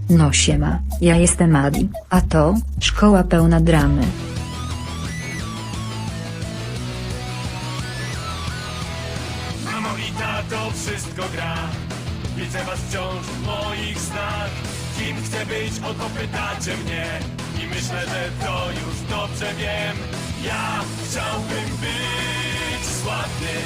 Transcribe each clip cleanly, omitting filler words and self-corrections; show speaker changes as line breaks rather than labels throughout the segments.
No siema, ja jestem Adi, a to szkoła pełna dramy.
Mamo i tato, wszystko gra. Widzę was wciąż w moich snach. Kim chcę być, o to pytacie mnie. I myślę, że to już dobrze wiem. Ja chciałbym być sławny.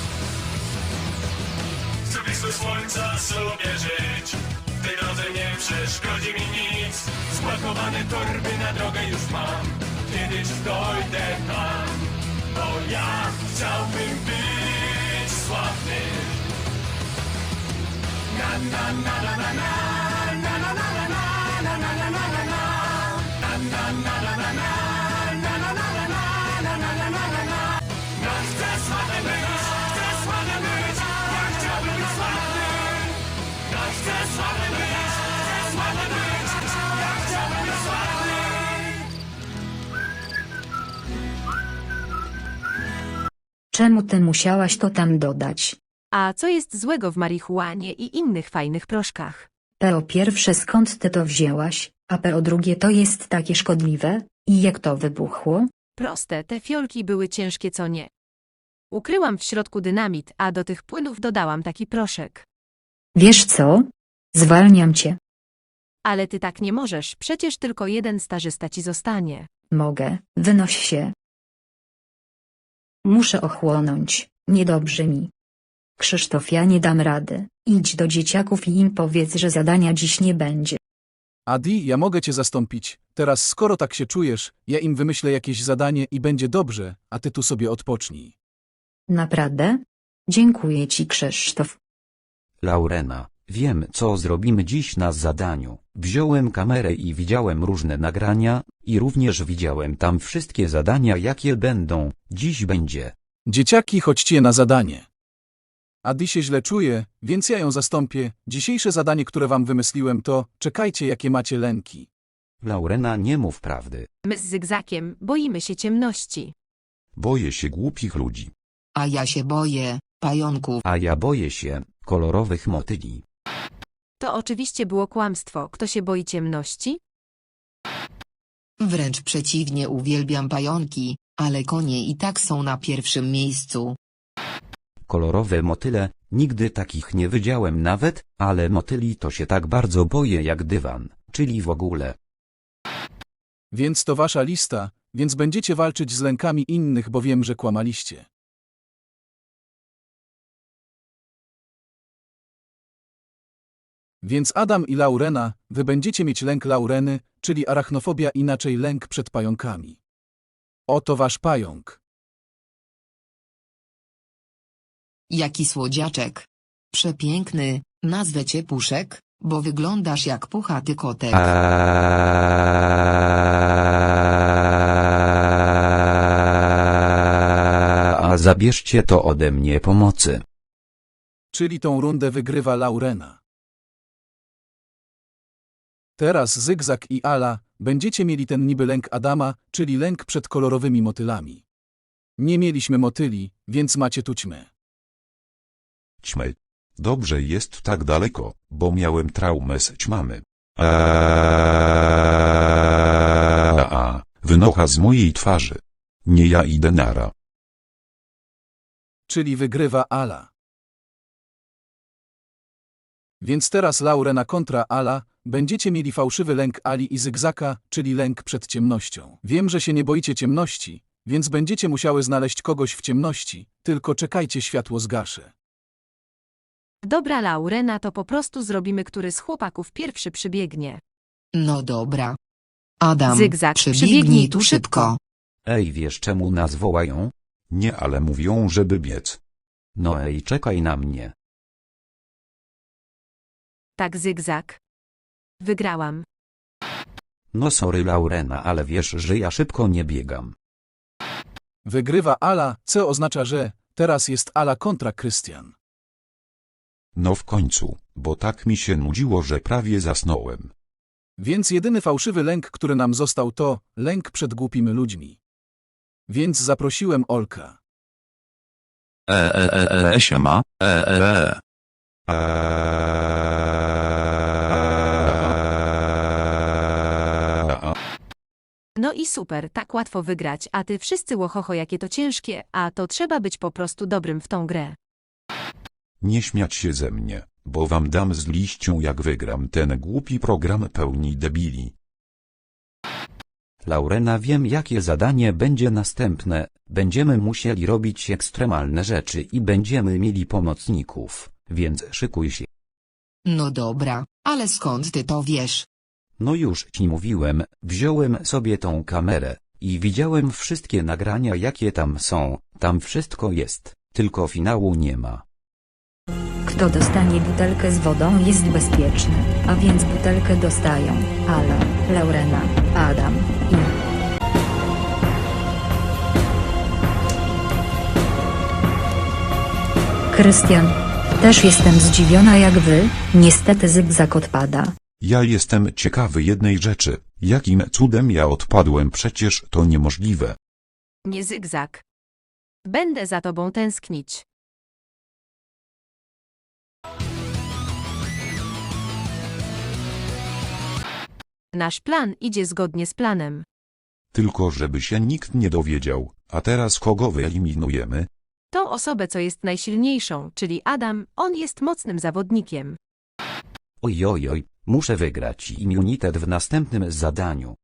Chcę blisko słońca sobie żyć. W tej drodze nie przeszkodzi mi nic. Spakowane torby na drogę już mam. Kiedyś dojdę tam. Bo ja chciałbym być sławny. Na na na na na na na na na na na na na na na na na. Na na na na na na na na na na na na na na na na. Ja chcę sławny być, chcę sławny być. Ja chciałbym być sławny. Ja chcę sławny być, chcę sławny być. Ja chciałbym być sławny.
Czemu ty musiałaś to tam dodać?
A co jest złego w marihuanie i innych fajnych proszkach?
Po pierwsze skąd ty to wzięłaś, a po drugie to jest takie szkodliwe? I jak to wybuchło?
Proste, te fiolki były ciężkie co nie. Ukryłam w środku dynamit, a do tych płynów dodałam taki proszek.
Wiesz co? Zwalniam cię.
Ale ty tak nie możesz, przecież tylko jeden stażysta ci zostanie.
Mogę, wynoś się. Muszę ochłonąć, niedobrze mi. Krzysztof, ja nie dam rady. Idź do dzieciaków i im powiedz, że zadania dziś nie będzie.
Adi, ja mogę cię zastąpić. Teraz skoro tak się czujesz, ja im wymyślę jakieś zadanie i będzie dobrze, a ty tu sobie odpocznij.
Naprawdę? Dziękuję ci, Krzysztof.
Laurena, wiem co zrobimy dziś na zadaniu. Wziąłem kamerę i widziałem różne nagrania, i również widziałem tam wszystkie zadania jakie będą, dziś będzie.
Dzieciaki, chodźcie na zadanie. Adi się źle czuje, więc ja ją zastąpię. Dzisiejsze zadanie, które wam wymyśliłem to, czekajcie jakie macie lęki.
Laurena, nie mów prawdy.
My z Zygzakiem boimy się ciemności.
Boję się głupich ludzi.
A ja się boję pająków.
A ja boję się kolorowych motyli.
To oczywiście było kłamstwo. Kto się boi ciemności?
Wręcz przeciwnie, uwielbiam pająki, ale konie i tak są na pierwszym miejscu.
Kolorowe motyle, nigdy takich nie widziałem nawet, ale motyli to się tak bardzo boję jak dywan, czyli w ogóle.
Więc to wasza lista, więc będziecie walczyć z lękami innych, bo wiem, że kłamaliście. Więc Adam i Laurena, wy będziecie mieć lęk Laureny, czyli arachnofobia, inaczej lęk przed pająkami. Oto wasz pająk.
Jaki słodziaczek. Przepiękny, nazwę cię Puszek, bo wyglądasz jak puchaty kotek.
A zabierzcie to ode mnie pomocy.
Czyli tą rundę wygrywa Laurena. Teraz Zygzak i Ala, będziecie mieli ten niby lęk Adama, czyli lęk przed kolorowymi motylami. Nie mieliśmy motyli, więc macie tu ćmę.
Ćmy. Dobrze jest tak daleko, bo miałem traumę z ćmamy. Wynocha z mojej twarzy. Nie ja idę nara.
Czyli wygrywa Ala. Więc teraz Laurena kontra Ala, będziecie mieli fałszywy lęk Ali i Zygzaka, czyli lęk przed ciemnością. Wiem, że się nie boicie ciemności, więc będziecie musiały znaleźć kogoś w ciemności, tylko czekajcie, światło zgaszę.
Dobra, Laurena, to po prostu zrobimy, który z chłopaków pierwszy przybiegnie.
No dobra. Adam,
Zygzak,
przybiegnij tu szybko.
Ej, wiesz czemu nas wołają?
Nie, ale mówią, żeby biec.
No ej, czekaj na mnie.
Tak, Zygzak. Wygrałam.
No sorry Laurena, ale wiesz, że ja szybko nie biegam.
Wygrywa Ala, co oznacza, że teraz jest Ala kontra Krystian.
No w końcu, bo tak mi się nudziło, że prawie zasnąłem.
Więc jedyny fałszywy lęk, który nam został, to lęk przed głupimi ludźmi. Więc zaprosiłem Olka.
Siema,
No i super, tak łatwo wygrać, a ty wszyscy łohoho jakie to ciężkie, a to trzeba być po prostu dobrym w tą grę.
Nie śmiać się ze mnie, bo wam dam z liścią jak wygram ten głupi program pełni debili.
Laurena, wiem jakie zadanie będzie następne, będziemy musieli robić ekstremalne rzeczy i będziemy mieli pomocników, więc szykuj się.
No dobra, ale skąd ty to wiesz?
No już ci mówiłem, wziąłem sobie tą kamerę i widziałem wszystkie nagrania jakie tam są, tam wszystko jest, tylko finału nie ma.
Kto dostanie butelkę z wodą jest bezpieczny, a więc butelkę dostają Ala, Laurena, Adam i... Krystian. Też jestem zdziwiona jak wy, niestety zygzak odpada.
Ja jestem ciekawy jednej rzeczy, jakim cudem ja odpadłem, przecież to niemożliwe.
Nie zygzak. Będę za tobą tęsknić. Nasz plan idzie zgodnie z planem.
Tylko żeby się nikt nie dowiedział, a teraz kogo wyeliminujemy?
Tą osobę, co jest najsilniejszą, czyli Adam, on jest mocnym zawodnikiem.
Ojojoj, muszę wygrać immunitet w następnym zadaniu.